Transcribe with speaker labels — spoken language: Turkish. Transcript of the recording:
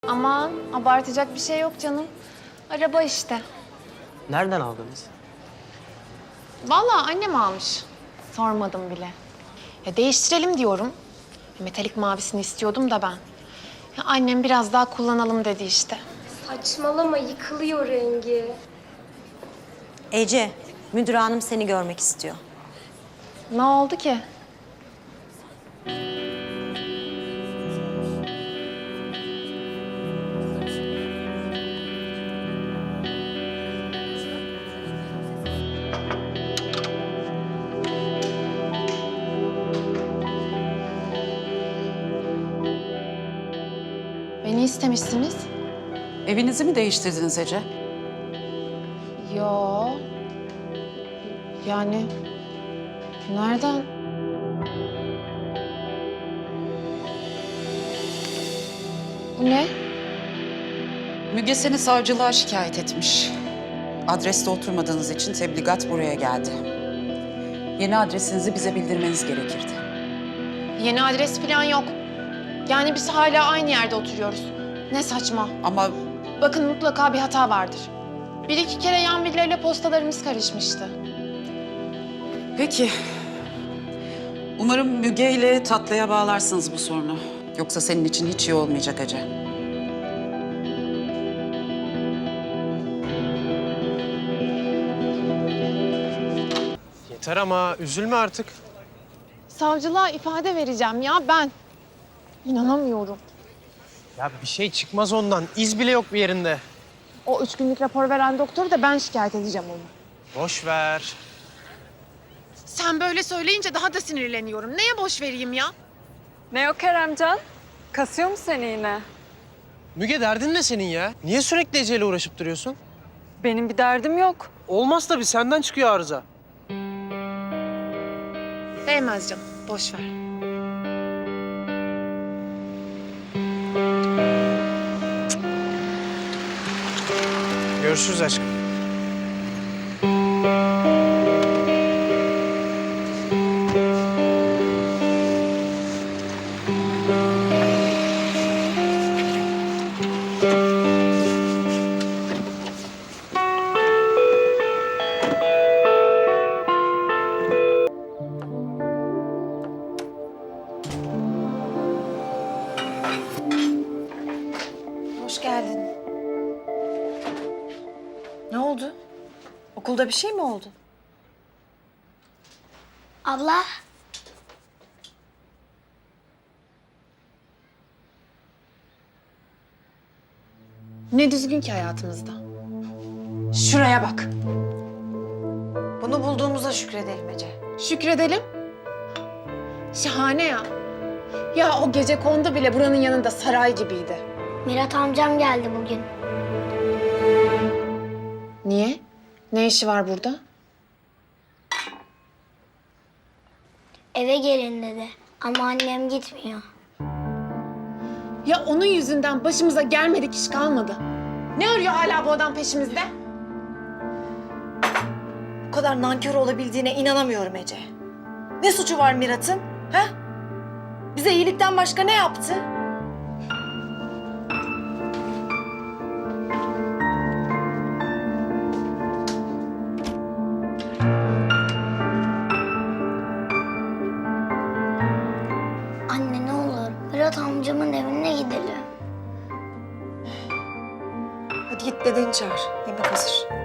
Speaker 1: Aman abartacak bir şey yok canım. Araba işte.
Speaker 2: Nereden aldınız?
Speaker 1: Vallahi annem almış. Sormadım bile. Ya değiştirelim diyorum. Metalik mavisini istiyordum da ben. Ya annem biraz daha kullanalım dedi işte.
Speaker 3: Saçmalama, yıkılıyor rengi.
Speaker 4: Ece, müdür hanım seni görmek istiyor.
Speaker 1: Ne oldu ki? Beni istemişsiniz.
Speaker 5: Evinizi mi değiştirdiniz Ece?
Speaker 1: Yo. Yani nereden? Bu ne?
Speaker 5: Müge seni savcılığa şikayet etmiş. Adreste oturmadığınız için tebligat buraya geldi. Yeni adresinizi bize bildirmeniz gerekirdi.
Speaker 1: Yeni adres falan yok. Yani biz hala aynı yerde oturuyoruz. Ne saçma.
Speaker 5: Ama
Speaker 1: Bakın mutlaka bir hata vardır. Bir iki kere yan villayla postalarımız karışmıştı.
Speaker 5: peki. Umarım Müge ile tatlıya bağlarsınız bu sorunu. Yoksa senin için hiç iyi olmayacak Ece.
Speaker 2: Yeter ama üzülme artık.
Speaker 1: Savcılığa ifade vereceğim ya ben. İnanamıyorum.
Speaker 2: Ya bir şey çıkmaz ondan. İz bile yok bir yerinde.
Speaker 1: O 3 günlük rapor veren doktoru da ben şikayet edeceğim onu.
Speaker 2: Boş ver.
Speaker 1: Sen böyle söyleyince daha da sinirleniyorum. Neye boş vereyim ya?
Speaker 6: Ne o Keremcan? Kasıyor mu seni yine?
Speaker 2: Müge derdin ne senin ya? Niye sürekli Ece'yle uğraşıp duruyorsun?
Speaker 6: Benim bir derdim yok.
Speaker 2: Olmaz tabii, senden çıkıyor arıza.
Speaker 1: Değmez canım. Boş ver.
Speaker 2: Görüşürüz aşkım.
Speaker 4: Hoş geldin. Ne oldu? Okulda bir şey mi oldu?
Speaker 3: Abla,
Speaker 1: Ne düzgün ki hayatımızda.
Speaker 4: Şuraya bak. Bunu bulduğumuza şükredelim Ece.
Speaker 1: Şükredelim. Şahane ya. Ya o gecekondu bile buranın yanında saray gibiydi.
Speaker 3: Mirat amcam geldi bugün.
Speaker 1: Niye? Ne işi var burada?
Speaker 3: Eve gelin dedi. Ama annem gitmiyor.
Speaker 1: Ya onun yüzünden başımıza gelmedik iş kalmadı. Ne arıyor hala bu adam peşimizde?
Speaker 4: Bu kadar nankör olabildiğine inanamıyorum Ece. Ne suçu var Mirat'ın? Ha? Bize iyilikten başka ne yaptı?
Speaker 3: Anne ne olur Mirat amcamın evine gidelim.
Speaker 4: Hadi git dedeni çağır. Yemek hazır.